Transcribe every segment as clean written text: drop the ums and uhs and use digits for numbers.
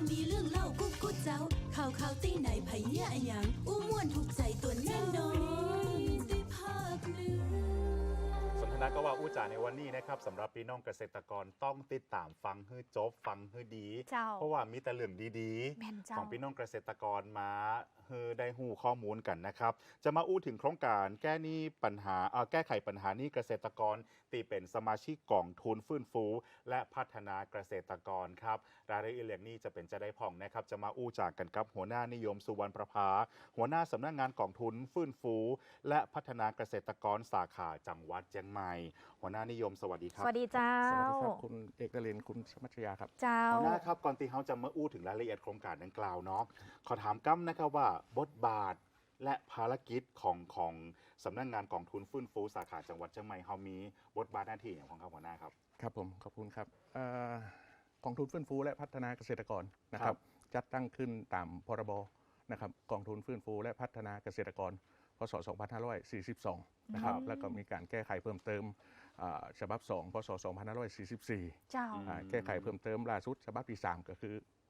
มีเรื่องเล่ากุ๊กกุ๊กเจ้าข่าวตีไหนไผเหี้ยอะหยังอู้ม่วนถูกใจตัวแน่นอนได้ภาคเหนือสนทนาก็ว่าอู้จ่าในวันนี้นะครับสำหรับพี่น้องเกษตรกรต้องติดตามฟังให้จบฟังให้ดี เพราะว่ามีแต่เรื่องดีๆของพี่น้องเกษตรกรมาได้หูข้อมูลกันนะครับจะมาอู้ถึงโครงการแก้ไขปัญหานี้เกษตรกรตีเป็นสมาชิกกองทุนฟื้นฟูและพัฒนาเกษตรกรครับรายละเอียดนี้จะเป็นจะได้พ่องนะครับจะมาอู้จากกันกับหัวหน้านิยมสุวรรณประภาหัวหน้าสำนักงานกองทุนฟื้นฟูและพัฒนาเกษตรกรสาขาจังหวัดเชียงใหม่หัวหน้านิยมสวัสดีครับสวัสดีเจ้าสวัสดีครับคุณเอกนรินทร์คุณสมัชยาครับเจ้าหัวหน้าครับก่อนที่เขาจะมาอู้ถึงรายละเอียดโครงการดังกล่าวเนาะขอถามกั้มนะครับว่าบทบาทและภารกิจของสำนักงานกองทุนฟื้นฟูสาขาจังหวัดเชียงใหม่เขามีบทบาทหน้าที่อย่างของเขาหัวหน้าครับครับผมขอบคุณครับกองทุนฟื้นฟูและพัฒนาเกษตรกรนะครับจัดตั้งขึ้นตามพรบนะครับกองทุนฟื้นฟูและพัฒนาเกษตรกรพศ 2542 นะครับแล้วก็มีการแก้ไขเพิ่มเติมฉบับ 2 พศ 2544 เจ้าแก้ไขเพิ่มเติมล่าสุดฉบับที่ 3 ก็คือ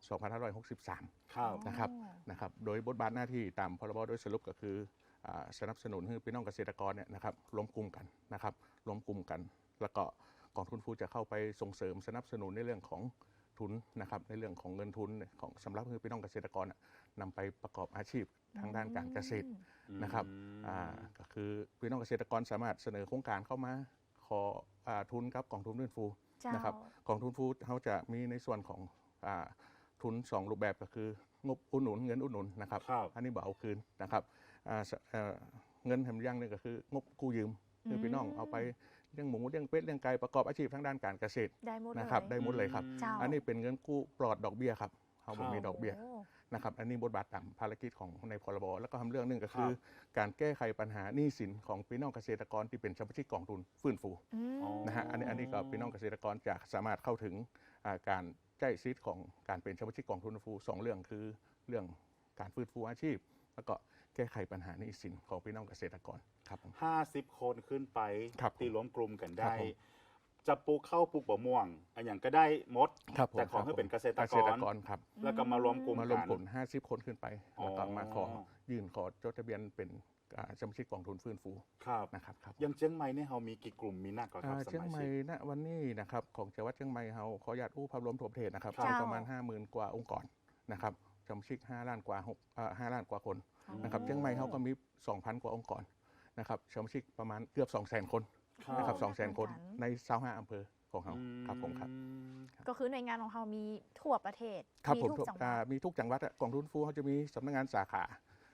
2563 นะครับโดยบทบาทหน้าที่ตามพรบโดยสรุปก็คือสนับสนุนให้พี่น้องเกษตรกรเนี่ยนะครับรวมกลุ่มกันนะครับรวมกลุ่มกันแล้วก็กองทุนฟูจะเข้าไปส่งเสริมสนับสนุนในเรื่องของทุนนะครับในเรื่องของเงินทุนของสำหรับพี่น้องเกษตรกรนำไปประกอบอาชีพทางด้านการเกษตรนะครับก็คือพี่น้องเกษตรกรสามารถเสนอโครงการเข้ามาขอทุนกับกองทุนฟื้นฟูนะครับกองทุนฟูเขาจะมีในส่วนของทุน2รูปแบบก็คืองบอุดหนุนเงินอุดหนุนนะครับอันนี้บ่เอาคืนนะครับเงินแถมยังนึงก็คืองบกู้ยืมคือพี่น้องเอาไปเลี้ยงหมูเลี้ยงเป็ดเลี้ยงไก่ประกอบอาชีพทางด้านการเกษตรนะครับได้หมดเลยครับอันนี้เป็นเงินกู้ปลอดดอกเบี้ยครับเขาไม่มีดอกเบี้ยนะครับอันนี้บทบาทตามภารกิจของในพรบแล้วก็ทำเรื่องหนึ่งก็คือการแก้ไขปัญหาหนี้สินของพี่น้องเกษตรกรที่เป็นสมาชิกกองทุนฟื้นฟูนะฮะอันนี้ก็พี่น้องเกษตรกรจะสามารถเข้าถึงการใช้สิทธิ์ของการเป็นสมาชิกกองทุนฟื้นฟู2เรื่องคือเรื่องการฟื้นฟูอาชีพแล้วก็แก้ไขปัญหาหนี้สินของพี่น้องเกษตรกรครับ 50 คนขึ้นไปตีรวมกลุ่มกันได้ จะปลูกข้าวปลูกบะม่วงอันอย่างก็ได้หมดแต่ขอให้เป็นเกษตรกรครับแล้วก็มารวมกลุ่มกัน50 คนขึ้นไปแล้วก็มายื่นขอจดทะเบียนเป็นสมาชิกกองทุนฟื้นฟูนะครับยังเชียงใหม่เนี่ยเรามีกี่กลุ่มมีนักกว่าครับเชียงใหม่ณวันนี้นะครับของจังหวัดเชียงใหม่เราขออนุญาตภาพรวมทั่วประเทศนะครับประมาณ 50,000 กว่าองค์กรนะครับสมาชิก5 ล้านกว่าคนนะครับเชียงใหม่เขาก็มี 2,000 กว่าองค์กรนะครับสมาชิกประมาณเกือบ 200,000 คนนะครับ 200,000 คนใน25อำเภอของเขาครับผมครับก็คือหน่วยงานของเรามีทั่วประเทศครับผมมีทุกจังหวัดกองทุนฟูเขาจะมีสำนักงานสาขา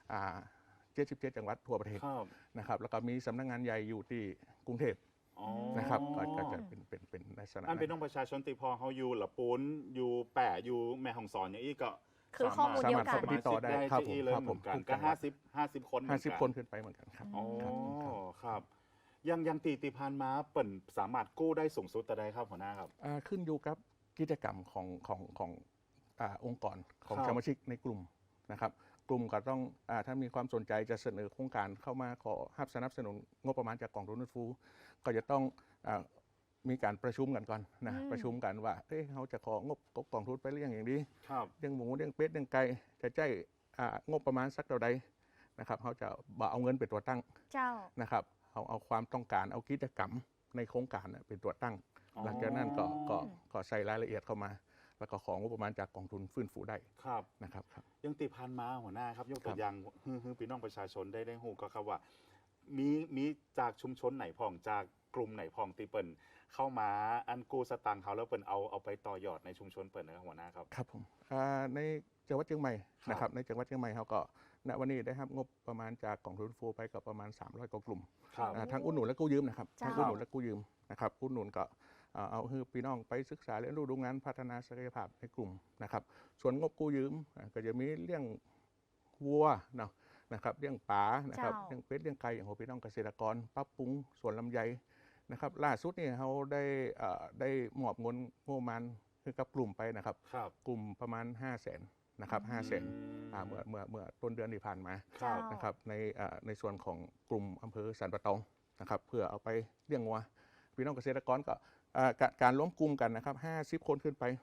77 จังหวัดทั่วประเทศนะครับแล้วก็มีสำนักงานใหญ่อยู่ที่กรุงเทพนะครับก็จะเป็นในสถานะอันเป็นน้องประชาชนติพอเขาอยู่ละปูนอยู่แปะอยู่แม่ฮ่องสอนอย่างนี้ก็คือข้อมูลเดียวกันติดต่อได้ครับผมก็50 คนขึ้นไปเหมือนกันครับอ๋อครับยังตีพานมาเปิ่นสามารถกู้ได้สูงสุดแต่ใดครับหัวหน้าครับขึ้นอยู่กับกิจกรรมขององค์กรของสมาชิกในกลุ่มนะครับกลุ่มก็ต้องถ้ามีความสนใจจะเสนอโครงการเข้ามาขอสนับสนุนงบประมาณจากกองทุนฟื้นฟูก็จะต้องมีการประชุมกันก่อนนะประชุมกันว่าเขาจะของบกองทุนไปเรื่องอย่างนี้เรื่องหมูเรื่องเป็ดเรื่องไก่จะใช้งบประมาณสักเท่าใดนะครับเขาจะเอาเงินเป็นตัวตั้งนะครับเอาความต้องการเอากิจกรรมในโครงการเป็นตัวตั้งหลังจากนั้นก็ใส่รายละเอียดเข้ามาแล้วก็ของงบประมาณจากกองทุนฟื้นฟูได้นะครับยังตีพันมาหัวหน้าครับยกตัวอย่างพี่น้องประชาชนได้หูก็ครับว่ามีจากชุมชนไหนพ่องจากกลุ่มไหนพ่องตีเปิ่นเข้ามาอันกู้สตังค์เขาแล้วเปิ่นเอาไปต่อยอดในชุมชนเปิ่นนะครับหัวหน้าครับครับผมในจังหวัดเชียงใหม่นะครับในจังหวัดเชียงใหม่เขาก็ณวันนี้ได้รับงบประมาณจากกองทุนฟูไปกับประมาณ300 กว่ากลุ่มทั้งอุดหนุนและกู้ยืมนะครับทั้งอุดหนุนและกู้ยืมนะครับอุดหนุนก็เอาให้พี่น้องไปศึกษาเรียนรู้ดูงานพัฒนาศักยภาพในกลุ่มนะครับส่วนงบกู้ยืมก็จะมีเรื่องวัวนะครับเรื่องปลานะครับเรื่องเป็ดเรื่องไก่อย่างพี่น้องเกษตรกรปรับปรุงสวนลำไยนะครับล่าสุดนี่เขาได้มอบเงินงบประมาณให้กับกลุ่มไปนะครับกลุ่มประมาณ500,000นะครับ500,000เมื่อต้นเดือนที่ผ่านมานะครับในส่วนของกลุ่มอำเภอสันปะตองนะครับเพื่อเอาไปเลี้ยงวัวพี่น้องเกษตรกรก็การล้มกลุ่มกันนะครับ50 คนขึ้นไป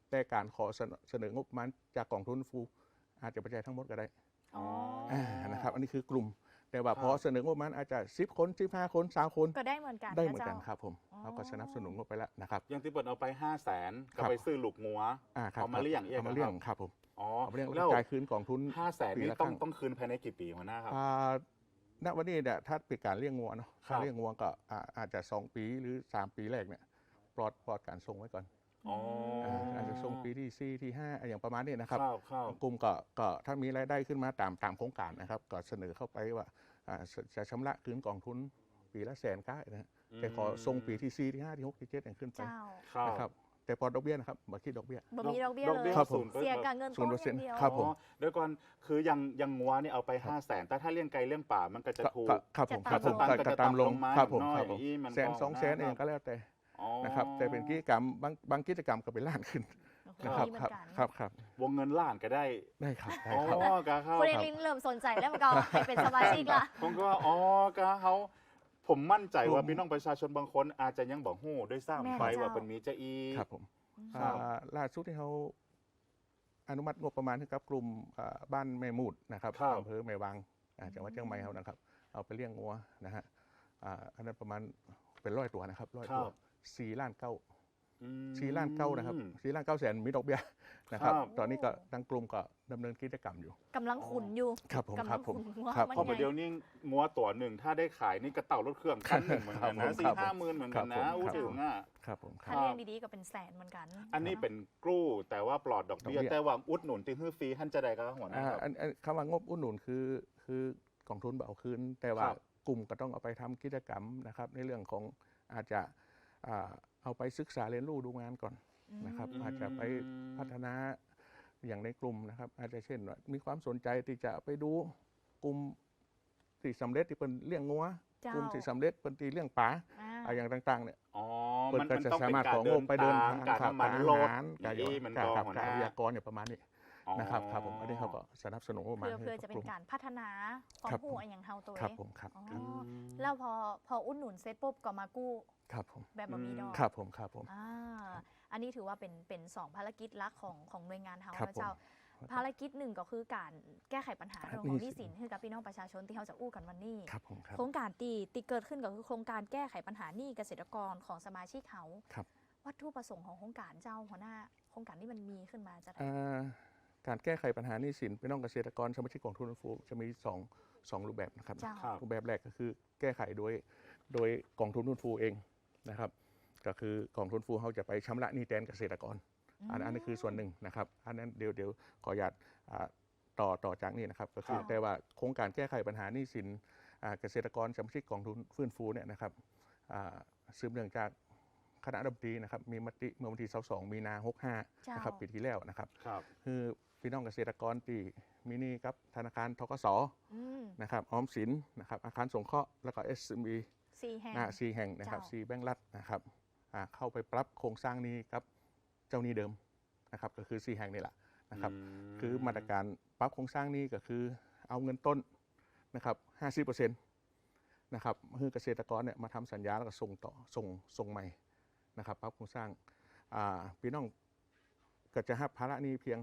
แต่การขอเสนองบประมาณจากกองทุนฟูอาจจะไปจ่ายทั้งหมดก็ได้อ๋อนะครับอันนี้คือกลุ่มแต่ว่าพอเสนองบประมาณอาจจะ10 คน15 คน3 คนก็ได้เหมือนกันได้เหมือนกันจ้าครับผมอ๋อเราก็สนับสนุนงบไปแล้วนะครับอย่างที่เปิดเอาไป 500,000 ก็ครับไปซื้อลูกงัวครับเอามาเลี้ยงเองเอามาเลี้ยงครับครับผมอ๋อเอามาเลี้ยงแล้แล้ว วจ่ายคืนกองทุน 500,000 ปีนี่ละต้คองรั้งต้องคืนภายในกี่ปีหัวหน้าครับณวันนี้เนี่ยถ้าเป็นการเลี้ยงงัวเนาะครับการเลี้ยงงัวก็อาจจะ2 ปีหรือ3 ปีแรกเนี่ยปลอดการส่งไว้ก่อนอ๋อออาจจะส่งปีที่4ที่5อย่างประมาณนี้นะครับครับกลุ่มก็ถ้ามีรายได้ขึ้นมาตามโครงการนะครับก็เสนอเข้าไปว่าจะชำระคืนกองทุนปีละ100,000ก็นะฮะแต่ขอส่งปีที่4ที่5ที่6ที่7อย่างขึ้นไปเจ้าครับนะครับแต่พอดอกเบี้ยนะครับบ่คิดดอกเบี้ยบ่มีดอกเบี้ยดอกเลเบี้ยยครับผมเสียกับเงินต้นอย่างเดียวครับผมอ๋อเดี๋ยวก่อนคือยังงัวนี่เอาไป 500,000 แต่ถ้าเลี้ยงไก่เลี้ยงป่ามันก็จะถูกครับผมจะครับผมตามลงก็ตามลงมาครับผมน้อยครับผมอีมัน 100,000 200,000เองก็แล้วแต่อ๋อนะครับแต่เป็นกิจกรรมบางกิจกรรมก็เป็นล้านขึ้น นะครับมีเหมืคอรับนกันครับวงเงินล้านก็ได้ได้ครับได้อ๋อครับกะเขาคุณเอลินเริ่มสนใจแล้วมันก็ให้เป็นสมาชิกละผมก็กะเขาผมมั่นใจว่าพี่น้องประชาชนบางคนอาจจะยังบอกฮู้ด้วยแม่ซ้ำไปเจ้าว่าเป็นมีจะอีครับผมครับล่าสุดที่เขาอนุมัติงบประมาณให้กับกลุ่มบ้านแม่มูดนะครับครับอำเภอแม่วางจังหวัดเชียงใหม่เขานะครับเอาไปเลี้ยงงัวนะฮะอันนั้นประมาณเป็น100 ตัวนะครับ100 ตัว4 ล้าน 9 อืม 4 ล้าน 9นะครับ4 ล้าน 9 แสนมีดอกเบี้ยนะครับครับตอนนี้ก็ทางกลุ่มก็ดำเนินกิจกรรมอยู่กำลังขุนอยู่ครับผมกำคลัรับงผมขุนว่าครับมันเพราะไงเดี๋ยวนี้งัวตัวหนึ่งถ้าได้ขายนี่กระเต่ารถเครื่องคันหนึ่งเหมือนกันครันะบผม 4-5 หมื่นเหมือนกันครันะบผมอู้ถึงอ่ะครับผมคถ้ารับเลี้ยงดีๆก็เป็นแสนเหมือนกันอันนี้เป็นกู้แต่ว่าปลอดดอกเบี้ยดอกเบี้ยแต่ว่าอุดหนุนที่ฮื้อฟรีท่านจะได้ก็หัวหน้าครับอันคำว่างบอุดหนุนคือกองทุนเอาคืน แต่ว่าครับกลุ่มก็ต้องเอาไปทำกิจกรรมนะครับในเรื่องของอาจจะเอาไปศึกษาเรียนรู้ดูงานก่อนนะครับอาจจะไปพัฒนาอย่างในกลุ่มนะครับอาจจะเช่นว่ามีความสนใจที่จะไปดูกลุ่มที่สำเร็จที่เป็นเลี้ยงงัวเจ้ากลุ่มที่สำเร็จเป็นที่เลี้ยงป่าอ่าอย่างต่างๆเนี่ยอ๋อเปิดมันก็มันจะต้องสาเป็นมารถกาขรองเดิงนบไปเดินทางทางการขับน้ำมันอาโลดหารการนี่มันการก็ขับหัวหการน้าวิทยากรเนี่ยประมาณนี้นะครับครับผมอันนี้เขาก็สนับสนุนประมาณเพื่อจะเป็นการพัฒนาความครับรู้อย่างเฮาตัวครับเองผมครับอ๋อครับแล้วพออุดหนุนเสร็จปุ๊บก็มากู้ครับผมแบบบ่มีดอกครับผมครับผมอ่าอันนี้ถือว่าเป็น2ภารกิจหลักของหน่วยงานเฮาครับนะเจ้า ภารกิจหนึ่งก็คือการแก้ไขปัญหาเรื่องของหนี้สินให้กับพี่น้องประชาชนที่เขาจะอู้กันวันนี้ครับผมครับโครงการตีเกิดขึ้นก็คือโครงการแก้ไขปัญหาหนี้เกษตรกรของสมาชิกเขาครับวัตถุประสงค์ของโครงการเจ้าหัวหน้าโครงการที่มันมีขึ้นมาจะได้การแก้ไขปัญหาหนี้สินพี่น้องเกษตรกรสมาชิกกองทุนฟูจะมีสองรูปแบบนะครับเจ้าครับรูปแบบแรกก็คือแก้ไขโดยกองทุนฟูเองนะครับก็คือกองทุนฟูเขาจะไปชำระหนี้แทนเกษตรกรอันนี้คือส่วนหนึ่งนะครับอันนั้นเดี๋ยวขออนุญาตต่อจากนี้นะครับก็คือครับแต่ว่าโครงการแก้ไขปัญหาหนี้สินเกษตรกรสมาชิกกองทุนฟื้นฟูเนี่ยนะครับสืบเนื่องจากคณะรัฐมนตรีนะครับมีมติเมื่อวันที่22 มีนา 65 นะครับปีที่แล้วนะครับครับคือพี่น้องเกษตรกรที่มีหนี้กับธนาคารธกสอืมนะครับออมสินนะครับอาคารสงเคราะห์แล้วก็ SME 4 แห่ง 4 แห่งนะครับเจ้า 4 แบงก์รัฐนะครับเข้าไปปรับโครงสร้างหนี้กับเจ้าหนี้เดิมนะครับก็คือ 4 แห่งนี่แหละนะครับคือมาตรการปรับโครงสร้างหนี้ก็คือเอาเงินต้นนะครับ 50% นะครับคือเกษตรกรเนี่ยมาทำสัญญาแล้วก็ส่งต่อส่งใหม่นะครับปรับโครงสร้างพี่น้องก็จะรับภาระหนี้เพียง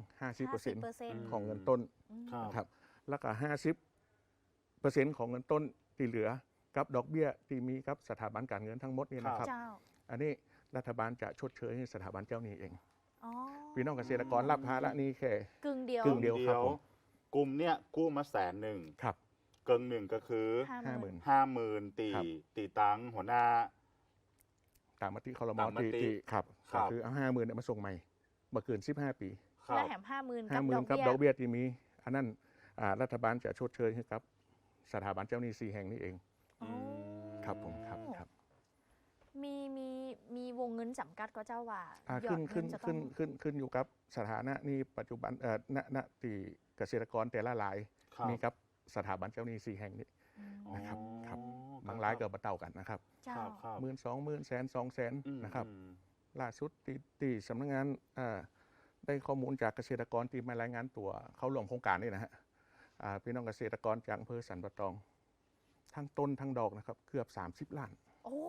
50% ของเงินต้นครับนะครับแล้วก็ 50% ของเงินต้นที่เหลือกับดอกเบี้ยที่มีกับสถาบันการเงินทั้งหมดนี่นะครับเจ้าอันนี้รัฐบาลจะชดเชยให้สถาบันเจ้าหนี้เองอ๋อพี่น้องเกษตรกรรับภาระหนี้แค่กึ่งเดียวกึ่งเดียว ครับผมกลุ่มเนี่ยกู้มา100,000 ครับเกินหนึ่งก็คือ 50,000 50,000 ตีครับตีตังค์หัวหน้าตามมติคอรมอตามมติที่ครับครัก็บคือเอา 50,000เนี่ยมาส่งใหม่มาเกิน15 ปีครับและแถม50,000 50,000 กักับบ ดดออก กเบี้ยเบี้ยที่มีอันนั้นรัฐบาลจะชดเชยให้กับสถาบันเจ้าหนี้4 แห่งนี้เองอ๋อครับผมครับครับมีวงเงินจำกัดก็เจ้าว่า ยอขึ้ดนเงิขึ้นจะต้ขึ้องนขึ้นขึ้นอยู่กับสถานะหนี้ปัจจุบันณที่เกษตรกรแต่ละรายครับมีกับสถาบันเจ้าหนี้4 แห่งนี้ นะครับครับอ๋อบางรายก็บ่เต่ากันนะครับเจ้าครับครับ 12,000 100,000 200,000นะครับอืมล่าสุดที่สำนักงานได้ข้อมูลจากเกษตรกรที่มารายงานตัวเข้าร่วมโครงการนี่นะฮะพี่น้องเกษตรกรจากอำเภอสันปะตอง ทั้งต้นทั้งดอกนะครับเกือบ30 ล้านโอ้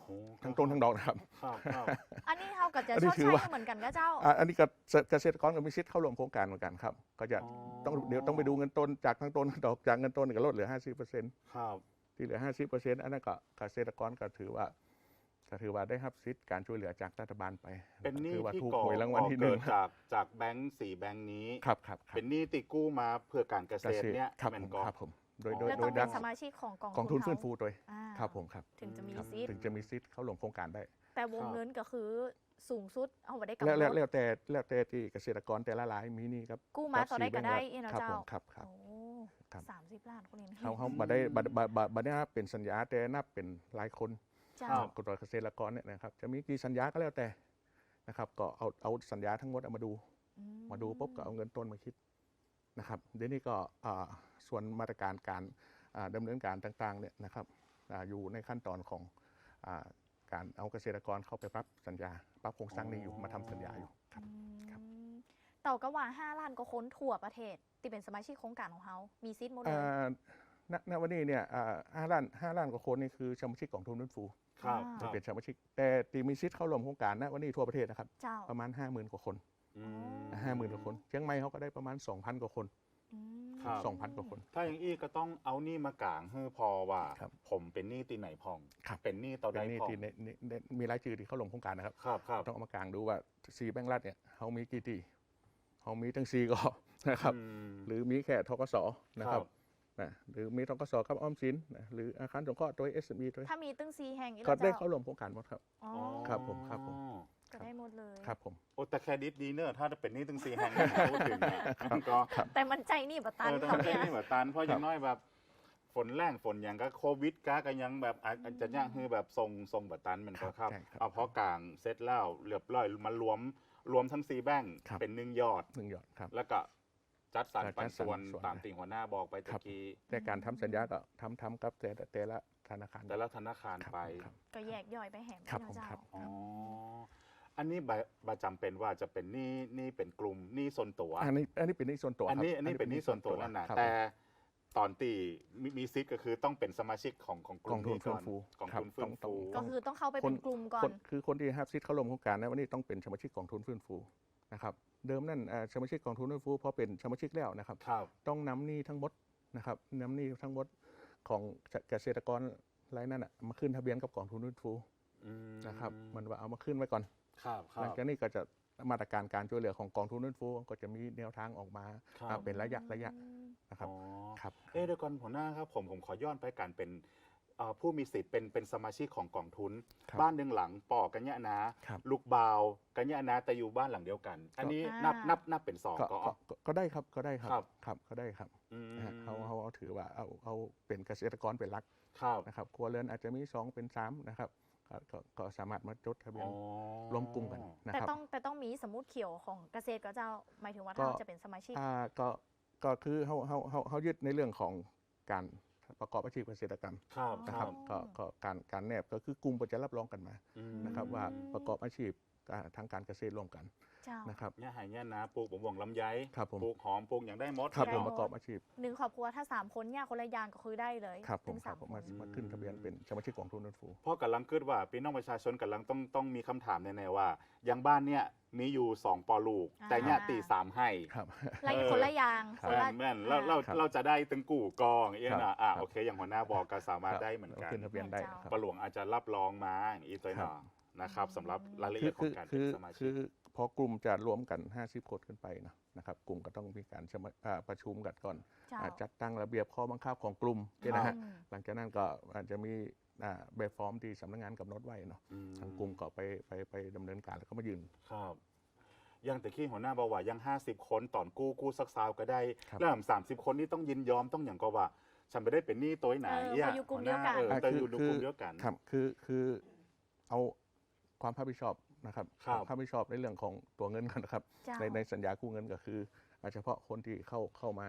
ทั้งต้นทั้งดอกนะครับอันนี้เขาก็จะอันชนี้ดถืใช้อว่าเหมือนกันก็เจ้าอันนี้เกษตรกรก็มีสิทธิ์เข้าร่วมโครงการเหมือนกันครับก็จะเดี๋ยวต้องไปดูเงินต้นจากทั้งต้นทั้งดอกจากเงินต้นก็ลดเหลือ 50% ครับที่เหลือ 50%อันนั้นก็เกษตรกรก็ถือว่าได้รับสิทธิ์การช่วยเหลือจากรัฐบาลไปเป็นหนี้ถือว่าที่ถูกก่อหวยรางวัลที่หเกินึ่งดจากแบงก์4แบงก์นี้ครับเป็นหนี้ติกู้มาเพื่อการเกษตรเนี่ยครับแม่นผมก็ครับผมโดยแล้วโดต้องยเป็ดันกสมาชิกของกองทุนฟื้นเขาฟูโดยอ่าครับผมครับถึงจะมีครับสิทธิ์ถึงจะมีสิทธิ์เข้าร่วมโครงการได้แต่วงเงินก็คือสูงสุดเอาไว้ได้กำหนแล้วดแต่ที่เกษตรกรแต่ละรายมีนี่ครับกู้มาต่อได้ก็ได้ 4 เนาะครับเจ้าผมครับโอ้ครับ 30 ล้านคนนี้เขาบัได้บัได้นับเป็นสัญญาแต่นับเป็นรายคนเจ้าครับกฎหมายเกษตรกรเนี่ยนะครับจะมีกี่สัญญาก็แล้วแต่นะครับก็เอาสัญญาทั้งหมดเอามาดู มาดูปุ๊บก็เอาเงินต้นมาคิดนะครับเดี๋ยวนี้ก็ส่วนมาตรการการดำเนินการต่างๆเนี่ยนะครับอยู่ในขั้นตอนของการเอาเกษตรกรเข้าไปปรับสัญญาปรับโครงสร้างนี้อยู่มาทำสัญญาอยู่ครับ ครับเต่าก็ว่า5 ล้านก็คนทั่วประเทศที่เป็นสมาชิกโครงการของเขามีซิทธิ์หมดเลยณวันนี้เนี่ย5 ล้านกว่าคนนี่คือสมาชิกของทุนฟื้นฟูครับจะเป็นสมาชิกแต่ที่มีสิทธิ์เข้าร่วมโครงการณวันนี้ทั่วประเทศนะครับเจ้าประมาณ 50,000 กว่าคนอืม 50,000 กว่าคนเชียงใหม่เขาก็ได้ประมาณ 2,000 กว่าคนอืมครับ 2,000 กว่าคนถ้าอย่างอี้ก็ต้องเอาหนี้มากางให้พอว่าครับผมเป็นหนี้ตีไหนพองครับเป็นหนี้ต่อเป็ใดนนี่พองที่มีรายชื่อที่เข้าร่วมโครงการนะครับครับครับต้องเอามากลางดูว่า4แบงก์รัฐเนี่ยเขามีกี่ที่เขามีทั้ง4ก็นะครับอืมหรือมีแค่ทกสนะครับครับนะหรือมีทกสกับออมสินนะหรืออาคารสงเคราะห์โดย SME ด้วยถ้ามีตึ้งซีแห่งอีกก็แล้วได้เจ้าเข้าร่วมโครงการหมดครับอ๋อครับผมอ๋อก็ได้หมดเลยครับผมโอ้แต่แครดิตดีเนอะถ้าเป็นหนี้ถึง4แห่งพูดถึงเนี่ยมันก็แต่มันใจนี่บัตันแต่เขามันใจเนี่ยนี่แบบตันเพราะอย่างน้อยแบบฝนแรงฝนอย่างก็โควิดก็ยังแบบอาจจะย่างคือแบบทรงแบบตันมันก็ครับใช่ครับเอาเพราะกลางเสร็จแล้วเรียบร้อยมารวมทั้ง4แบงค์ครับเป็น1ยอด 1 ยอดครับแล้วก็จัดสรรจัดสรรปันส่วนส่วนตามติ่งหัวหน้าบอกไปครัตะบกี้แต่การทำสัญญาก็ทำกับแต่ละธนาคารแต่ละธนาคารครับไปครับก็แยกย่อยไปแหมครับเนาะผมเจ้าครับอ๋ออันนี้บจำเป็นว่าจะเป็นหนี้เป็นกลุ่มหนี้ส่วนตัวอันนี้เป็นหนี้ส่วนตัวอันนี้ครับอันนี้เป็นหนี้ส่วนตัวนั่นนะครับ แต่ตอนตีมีซิทก็คือต้องเป็นสมาชิกของกกลุ่อมงทุนนี้ฟื้ก่อน นฟูกองครับทุนฟื้นฟูก็คือต้องเข้าไปเป็นกลุ่มก่อนคือคนที่รับสิทธิ์เข้าร่วมโครงการนะวันนี้ต้องเป็นสมาชิกกองทุนฟื้นฟูนะครับเดิมนั่นสมาชิกกองทุนฟื้นฟูพอเป็นสมาชิกแล้วนะครับครับต้องนำหนี้ทั้งหมดนะครับนำหนี้ทั้งหมดของเกษตรกรรายนั้นมาขึ้นทะเบียนกับกองทุนฟื้นฟูอืมนะครับมันว่าเอามาขึ้นไว้ก่อนครับคหรัลังบจากนี้ก็จะมาตรการการช่วยเหลือของกองทุนฟื้นฟูก็จะมีแนวทางออกมาครับเป็นระยะนะครับอ๋อครับเดี๋ยวก่อนหัวหน้าครับผมขอย้อนไปการเป็นผู้มีสิทธิ์เป็นสมาชิกของกองทุนครับบ้านหนึ่งหลังปอกันยะนะครับ ลูกบาวกันยะนะแต่อยู่บ้านหลังเดียวกัน อันนี้นับเป็นสองก็ก็ได้ครับก็ได้ครับครับครับก็ได้ครับอืมนะฮะเขาถือว่าเอาเป็นเกษตรกรเป็นหลักครับนะครับครัวเรือนอาจจะมี2เป็น3นะครับก็สามารถมาจดทะเบียนอ๋อรวมกลุ่มกันนะแต่ครับต้องมีสมุดเขียวของเกษตรก็เจ้าหมายถึงว่าก็ถ้าจะเป็นสมาชิกก็คือเขายึดในเรื่องของการประกอบอาชีพเกษตรกรรมครับนะครับอ๋อก็การแนบก็คือกลุ่มก็จะรับรองกันมาอืมนะครับว่าประกอบอาชีพทางการเกษตรร่วมกันเจ้านะครับเนี่ยหายเนี่ยนะปลูกบวงลำไยครับผมปลูกหอมปลูกอย่างได้หมดครับได้ผมหมดประกอบอาชีพหนึ่งครอบครัวถ้า3 คนเนี่ยคนละอย่างก็คือได้เลยครับผมถึงครับ 3 ผมคนมาขึ้นทะเบียนเป็นสมาชิกของทุนฟื้นฟูเพราะกำลังคิดว่าพี่น้องประชาชนกำลังต้องมีคำถามแน่ๆว่าอย่างบ้านเนี่ยมีอยู่2ปอลูก แต่เนี่ยตี3ให้ครับละคนละอย่างครับคนละแม่นแล้วครับเราจะได้ตึงกู่กองเอี้ยครับนะครับ โอเค อย่างหัวหน้าบอกก็สามารถได้เหมือนกันขึ้นทะเบียนได้เจ้าครับปะหลวงอาจจะรับรองมาอย่างอีตัวหนอนะครับสำหรับรายละเอียดของการเป็นสมาชิคืกอพอกลุ่มจะรวมกัน50 คนขึ้นไปนะครับกลุ่มก็ต้องมีการประชุมกันก่อนเจ้าจัดตั้งระเบียบข้อบังคับของกลุ่มเนี่ยนะฮะอืมหลังจากนั้นก็อาจจะมีแบบฟอร์มที่สำนักงานกำหนดไว้เนาะอืมทางกลุ่มก็ไปดำเนินการแล้วก็มายืนครับยังแต่ขี้หัวหน้าบอกว่ายัง50 คนตอนกู้สักซาวก็ได้ครับแล้ว30 คนนี่ต้องยินยอมต้องอย่างก็ว่า ฉันไม่ได้เป็นหนี้ตัวไหนเขาอยู่กลุ่มเดียวกันแต่อยู่ในกลุ่มเดียวกันครับคือเอาความรับผิดชอบนะครับครับความรับผิดชอบในเรื่องของตัวเงินกันนะครับเจ้าในสัญญากู้เงินก็คือเฉพาะคนที่เข้ามา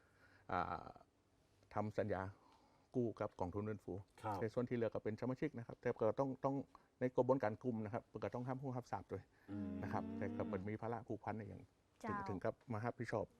ทำสัญญากู้กับกองทุนฟื้นฟูครับในส่วนที่เหลือก็เป็นสมาชิกนะครับ แต่ก็ต้องในกระบวนการกลุ่มนะครับก็ต้องห้ามผู้รับทราบด้วยอืมนะครับ แต่ก็เป็นมีภาระผูกพันในอย่างเจ้าถึงกับมารับผิดชอบ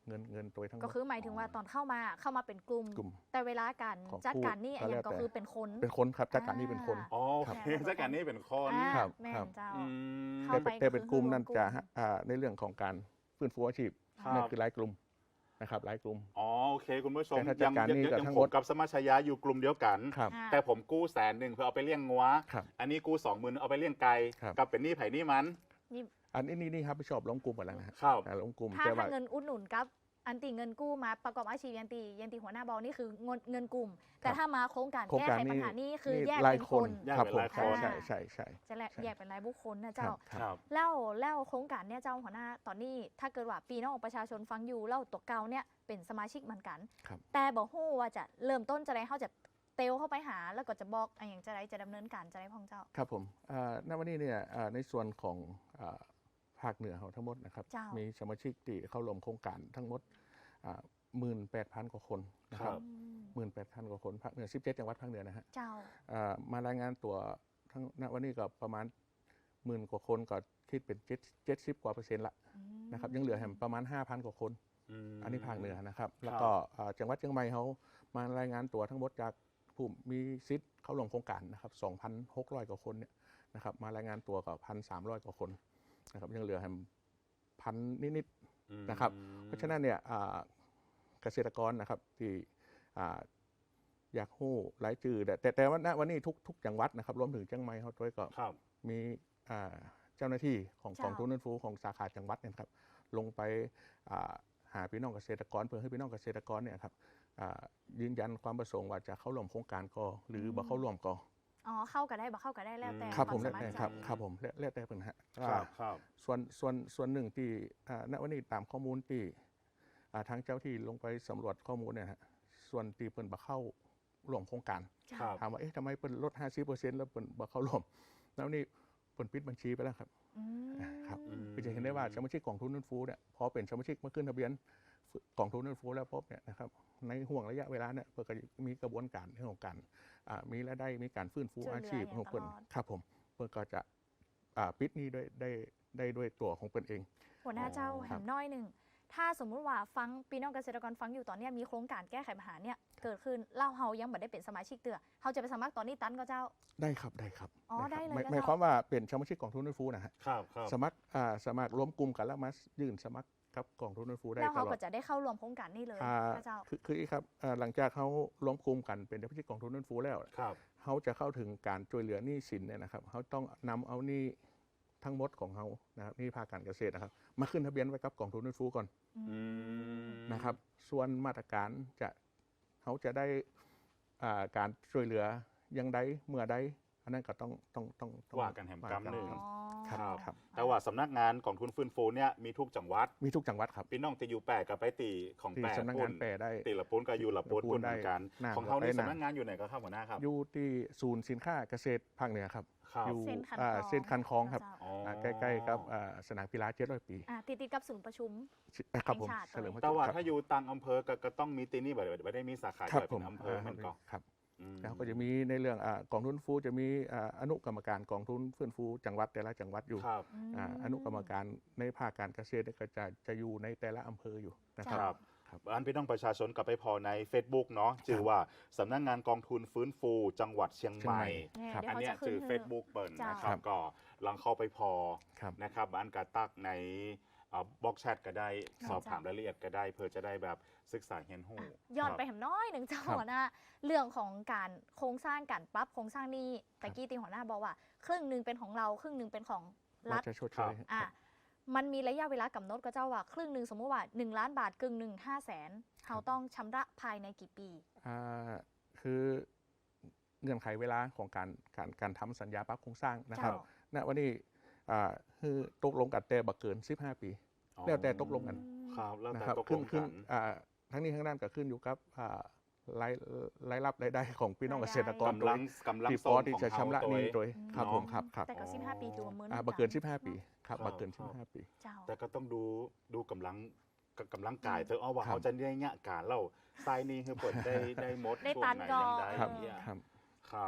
เงินตัวทั้งหมดก็คือหมายถึงว่าตอนเข้ามาเป็นกลุ่ม แต่เวลาการของจัดการนี่ผู้อย่างก็คือเป็นคนครับจัดการนี่เป็นคนอ๋อโอเคจัดการนี่เป็นคนครับแม่ครับนเจ้าอืมเข้าไปแต่เป็นกลุ่มนั่นคือจะรวมกลุ่มในเรื่องของการฟื้นฟูอาชีพครับนั่นคือรายกลุ่มนะครับรายกลุ่มอ๋อโอเคคุณผู้ชมแต่ถ้าจัดการนี่ก็ทั้งผหมมดกับสมัชยะอยู่กลุ่มเดียวกันครับอ่าแต่ผมกู้100,000เพื่อเอาไปเลี้ยงงัวครับอันนี้กู้20,000เอาไปเลี้ยงไก่ครับกับเป็นหนี้ไผ่หนี้มันอันนี้นี่ครับไปชอบล้มกลุ่มหมดแล้วนะฮะครับล้มกลุ่มถ้าแต่ว่าเงินอุดหนุนกับอันตีเงินกู้มาประกอบอาชีพยันตีหัวหน้าบอลนี่คือเงินกลุ่ม แต่ถ้ามาโครงการโครงแก้การไขปัญหานี่คือแยกรายเป็นคคน นแยกครับเป็นผมรายคนใช่ใช่ใช่จะแยกเป็นรายบุคคลนะครัเจ้าบคครัรับบแล้วโครงการเนี่ยเจ้าหัวหน้าตอนนี้ถ้าเกิดว่าปีน้องประชาชนฟังอยู่แล้วตัวเก่าเนี่ยเป็นสมาชิกเหมือนกันครับแต่บอกฮู้ว่าจะเริ่มต้นจะได้เขาจะเตลเข้าไปหาแล้วก็จะบอกอย่างจะได้จะดำเนินการจะได้พ่องเจ้าครับผมณวันนี้เนี่ยในส่วนของภาคเหนือของทั้งหมดนะครับเจ้ามีมีสมาชิกที่เข้าร่วมโครงการทั้งหมด18,000 กว่าคนนะคครัรับ บ 18,000 กว่าคนภาคเหนือ17จังหวัดภาคเหนือนะฮะเจ้ามารายงานตัวทั้งณวันนี้ก็ประมาณ10,000 กว่าคนก็คิดเป็น70 กว่า%ละนะครับยังเหลือแหมประมาณ 5,000 กว่าคนมอันนี้ภาคเหนือนะครับ แล้วก็จังหวัดเชียงใหม่เขามารายงานตัวทั้งหมดจากผู้มีสิทธิ์เข้าร่วมโครงการนะครับ 2,600 กว่าคนเนี่ยนะครับมารายงานตัวกับ 1,300 กว่าคนนะครับยังเหลือแหมพันนิดๆนะครับ เพราะฉะนั้นเนี่ยเกษตรกรนะครับที่อยากฮู้รายชื่อแต่ว่าณวันนี้ทุกจังหวัดนะครับรวมถึงเชียงใหม่เขาด้วยก็ครับมีเจ้าหน้าที่ของเจ้ากองทุนฟื้นฟูของสาขาจังหวัดเนี่ยนะครับลงไปหาพี่น้องเกษตรกรเพื่อให้พี่น้องเกษตรกรเนี่ยครับยืนยันความประสงค์ว่าจะเข้าร่วมโครงการก็หรือบ่เข้าร่วมก็อ๋อเข้ากันได้บ่เข้ากันได้แล้วแต่ครับผมวาแล้วสาแต่ถใจครับผมแล้วแต่เป็นฮะครับครับส่วนหนึ่งที่ณวันนี้ตามข้อมูลที่ทางเจ้าที่ลงไปสำรวจข้อมูลเนี่ยฮะส่วนที่เปิ่นบ่เข้าร่วมโครงการครับถามว่าเอ๊ะทำไมเปิ่นลด 50% แล้วเปิ่นบ่เข้าร่วมแล้วนี่เปิ่นปิดบัญชีไปแล้วครับอืมครับอืมคือจะเห็นได้ว่าสมาชิกกองทุนฟื้นฟูเนี่ยพอเป็นสมาชิกมาขึ้นทะเบียนกองทุนฟื้นฟูแล้วพบเนี่ยนะครับในห่วงระยะเวลาเนี่ยเพื่อก็มีกระบวนการเรื่องของการมีรายได้มีการฟื้นฟูอาชีพของเพิ่นครับผมเพื่อก็จะปิดหนี้ได้ด้วยตัวของเพิ่นเองหัวหน้าเจ้าคแหรับมน้อยหนึ่งถ้าสมมุติว่าฟังพี่น้องเกษตรกรฟังอยู่ตอนเนี้ยมีโครงการแก้ไขปัญหาเนี่ยเกิดขึ้นเล่าเฮายังบ่ได้เป็นสมาชิกเตือเฮาจะไปสมัครตอนนี้ตันก็เจ้าได้ครับได้ครับอ๋อครับได้เลยหมายนะหมายเจ้าความว่าเป็นสมาชิกกองทุนฟื้นฟูนะฮะครับครับสมัครรวมกลุ่มกันแล้วมายื่นสมัครกับกองทุนฟื้นฟูได้แล้วตเขาลอก็ดจะได้เข้าร่วมโครงการนี้เลยอ่านะเจ้าคืออีกครับหลังจากเขาล้มกลุ่มกันเป็นสมาชิกกองทุนฟื้นฟูแล้วครับเขาจะเข้าถึงการช่วยเหลือหนี้สินเนี่ยนะครับเขาต้องนำเอาหนี้ทั้งหมดของเขานะครับหนี้ภาคการเกษตรนะครับมาขึ้นทะเบียนไว้กับกองทุนฟื้นฟูก่อนอืมนะครับส่วนมาตรการเขาจะได้การช่วยเหลือยังใดเมื่อใดอันนั้นก็ต้องว่ากันแหมกำหนึ่งอ๋อครับครับแต่ว่าสำนักงานกองทุนฟื้นฟูเนี่ยมีทุกจังหวัดมีทุกจังหวัดครับพี่น้องจะอยู่แปะกับไปตีของที่แปะสำนักปุ้งาน นแปรได้ตีละปุ้นกับอยู่ละปุ้นละปุ้ปุ้นนเหมือนกันได้ของเขานี่ได้สำนักงานอยู่ไหนก็ครับหัวหน้าครับอยู่ที่ศูนย์สินค้าเกษตรภาคเหนือครับครับอยู่เส้นคันเส้นคันคลองครับเจ้าอ๋อใกล้ๆกับสนามกีฬา700 ปีติดกับศูนย์ประชุมครับผมแห่งชาติเฉลิมพระแต่เกียรว่าติครับถ้าอยู่ต่างอำเภอก็ต้องมีตีนี่ไม่ได้มีสาขาครับย่อยผเป็มนอำเภอมันก็ครับอืมแล้วก็จะมีในเรื่องกองทุนฟื้นฟูจะมีอนุกรรมการกองทุนฟื้นฟูจังหวัดแต่ละจังหวัดอยู่ครับอนุกรรมการในภาคการเกษตรเนี่ยก็จะอยู่ในแต่ละอำเภออยู่นะคครัรับบ ครับอันพี่น้องประชาชนกลับไปพอใน Facebook เนาะชื่อว่าสำนักงานกองทุนฟื้นฟูจังหวัดเชียงใหม่เนี่ยครับเดี๋ยวอันเขาเนี้ยจะขึ้นชื่อให้ Facebook เปิดนะคครัรับบ ก็ลองเข้าไปพอครับนะครับอันกาตักในบล็อกแชทก็ได้ครับสอบถามรายละเอียดก็ได้เพื่อจะได้แบบศึกษาเฮียนหูย้อนไปแหมน้อยหนึ่งเจ้าครับหัวหน้าเรื่องของการโครงสร้างการปรับโครงสร้างนี้ตะกี้ตีหัวหน้าบอกว่า ครึ่งหนึ่งเป็นของเราครึ่งหนึ่งเป็นของรัรัฐฐจะชดเชยอ่ะมันมีระยะเวลากำหนดก็เจ้าว่าครึ่งหนึ่งสมมติว่า1 ล้านบาทกึ่งหนึ่ง500,000เราต้องชำระภายในกี่ปีคือเงื่อนไขเวลาของการทำสัญญาปรับโครงสร้างนะครับเจ้าณวันนี้คือตกลงกันแต่บักเกิน 15 ปี แล้วแต่ตกลงกันครับแล้วนะแต่ครับตกลขึ้นงขึ้กัน นทั้งนี้ทั้งนั้นก็ขึ้นอยู่กับรายรับรายได้ของพี่น้องเกษตรกรกำลังที่พส่อง ที่ของจะเขาชำระตัวหนี้เองโดยครับเนาะผมครับครับแต่ก็15 ปีถือว่าเหมือนบักเกิน 15 ปีครับครับบักเกินครับ 15 ปีเจ้าแต่ก็ต้องดูกำลังกายเธอเอาว่าครับเขาจะได้เงี้ยการเล่าทรายนี่คือเปิดได้หมดได้ช่วงตันไหนก่อนยังได้ครับเนี่ยครับครับ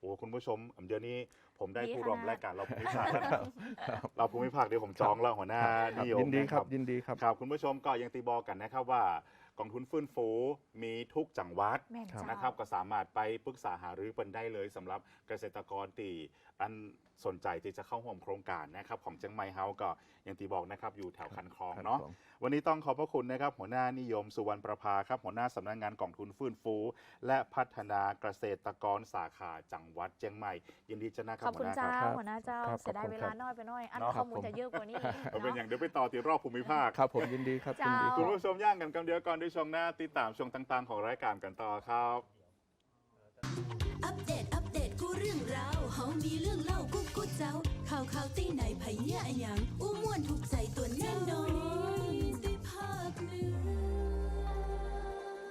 โอ้คุณผู้ชมเดี๋ยวนี้ผมได้ผู้ร่วมรายการเราภูมิภาคแล้วเราภูมิภาคเดี๋ยวผมจองแล้วหัวหน้านิยมยินดีครับยินดีครับครับคุณผู้ชมก็ยังตีบอกกันนะครับว่ากองทุนฟื้นฟูมีทุกจังหวัดแม่นเจ้านะครับก็สามารถไปปรึกษาหารือเปินได้เลยสำหรับเกษตรกรตีอันสนใจที่จะเข้าร่วมโครงการนะครับของเชียงใหม่เฮาก็อย่างที่บอกนะครับอยู่แถวคันคลองเนาะวันนี้ต้องขอบพระคุณนะครับหัวหน้านิยมสุวรรณประภาครับหัวหน้าสำนักงานกองทุนฟื้นฟู และพัฒนาเกษตรกรสาขาจังหวัดเชียงใหม่ยินดีจะนะครับขอบคุณหัวหน้าเจ้าครับหัวหน้าเจ้าครับเสียดายขอบคุเวณครัลาบน้อยไปหน้อยอันเนาะข้อมูลจะเยอะกว่านี้เอาเป็นอย่างเดี๋ยวไปต่อที่รอบภูมิภาคครับผมยินดีครับยินดีคเจ้าคุรัณบผู้ชมย่างกันกำเดียวก่อนด้วยช่วงหน้าติดตามช่วงต่างๆของรายการกันต่อครับอัปเดตกูเรื่องราวเฮามีเรื่องเล่ากูเจ้าข่าวตีไหนไผเหี้ยอะหยังอู้ม่วนถูกใจตัวแน่น